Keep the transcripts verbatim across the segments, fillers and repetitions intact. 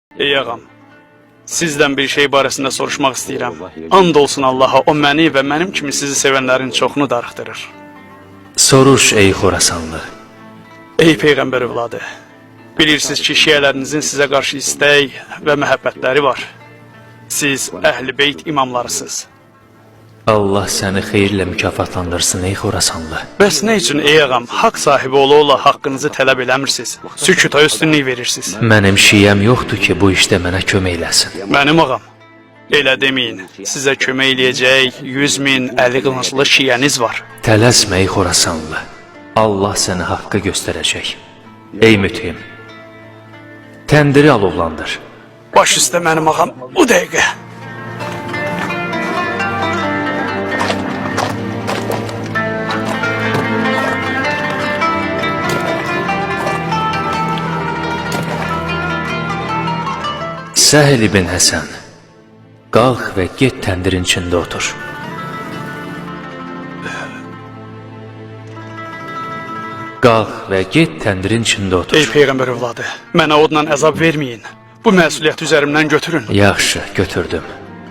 Ey ağam, sizdən bir şey barəsində soruşmaq istəyirəm. And olsun Allaha, o məni və mənim kimi sizi sevənlərin çoxunu darıxdırır. Soruş ey Xorasanlı. Ey Peyğəmbər övladı, bilirsiniz ki, şiyələrinizin sizə qarşı istək və məhəbbətləri var. Siz əhl-i beyt imamlarısınız. Allah səni xeyirlə mükafatlandırsın ey Xorasanlı. Bəs nə üçün ey ağam, haqq sahibi ola-ola haqqınızı tələb eləmirsiniz, sükuta üstünlük verirsiniz? Mənim şiyəm yoxdur ki, bu işdə mənə kömək eləsin. Mənim ağam, elə deməyin, sizə kömək eləyəcək yüz min əli qılınclı şiyəniz var. Tələsmə ey Xorasanlı. Allah səni haqqı göstərəcək. Ey mütəhim, təndiri alovlandır. Baş üstə mənim ağam, bu dəqiqə. Səhl ibn Həsən, qalx və get təndirin içində otur. Qalx və get təndirin içində otur. Ey Peyğəmbər övladı, mənə odla əzab verməyin. Bu məsuliyyəti üzərimdən götürün. Yaxşı, götürdüm.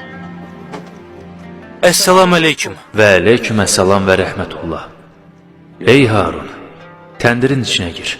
Əssalamu aleyküm. Və aleyküm əssalam və rəhmətullah. Ey Harun, təndirin içinə gir.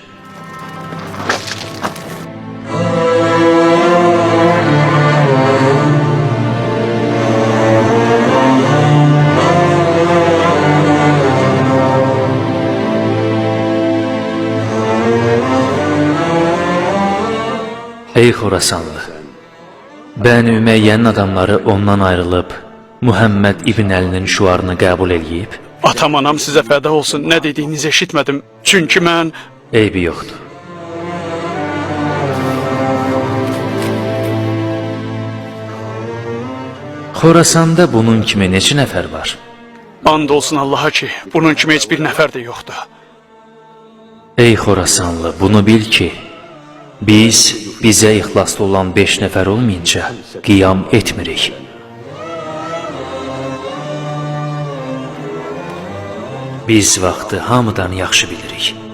Ey Xorasanlı, Bəni Üməyyənin adamları ondan ayrılıb, Muhammed İbn Əlinin şuarını qəbul eləyib. Atam anam sizə fəda olsun, nə dediyinizi eşitmədim. Çünki mən... Eybi yoxdur. Xorasanda bunun kimi neçə nəfər var? And olsun Allaha ki, bunun kimi heç bir nəfər də yoxdur. Ey Xorasanlı, bunu bil ki, biz bizə ixlaslı olan beş nəfər olmayınca qiyam etmirik. Biz vaxtı hamıdan yaxşı bilirik.